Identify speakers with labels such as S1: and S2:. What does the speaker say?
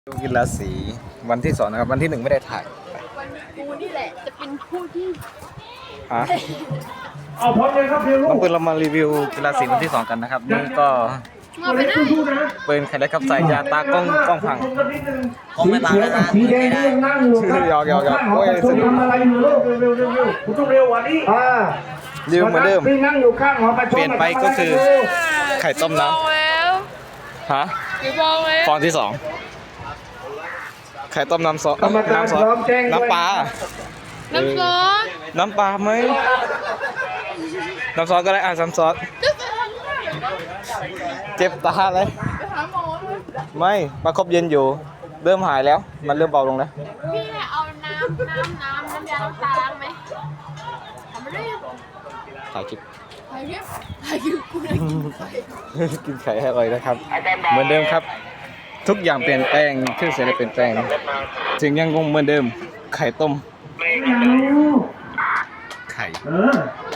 S1: ดูกีฬาสีวันที่2นะครับวันที่1ไม่ได้ถ่าย
S2: วันกูนี่แหละจะเป็นผู้ที่
S1: ฮะ
S3: เอาพร้อมเลยครับเพียงลู
S1: น้อก งปืนเรามารีวิวกีฬาสีวันที่2กันนะครับนี่ก็
S2: มาไปได้
S1: ปืนใครได้ครับสายยาตากล้องพัง
S4: กล้องไม่บางแล้วนะ
S3: สีแดงนี่ยังนั่งอยู่ครับ
S1: หยอกโอ้ยสนุก
S3: ทำอะไรอยู่ลูกเร็วคุณต้องเร็วกว่านี้
S1: รีวิวเหมือนเดิม
S3: พี่นั่งอยู่ข้างหอประชุม
S1: เปลี่ยนไปก็คือ ไข่ต้มน้
S2: บอกแล้ว
S1: ำฮะ
S2: กี่บอกแล้ว
S1: ฟองที่2ไข่ต้มน้ำซอส
S3: กรรมการ
S1: น้ำซอส
S3: พร้อมแจ้งด้วย
S1: น้ำปลา
S2: น้ำซอส
S1: น้ำปลาไหมน้ำซอสก็ได้น้ำซอสเจ็บตาเลย
S2: ไปหาหมอเลย
S1: ไม่ประคบเย็นอยู่เริ่มหายแล้วมันเริ่มเบาลงแล้ว
S2: พี่เอาน้ำยาล้างตาล้างไหมทำไม่ได้
S1: ถ่ายคลิป
S2: ถ่ายคลิปกูได้กินไข่
S1: กินไข่ให้อร่อยนะครับ เหมือนเดิมครับ ทุกอย่างเปลี่ยนแปลงเครื่องเสียงเปลี่ยนแปลงถึงยังคงเหมือนเดิม ไข่ต้มไข่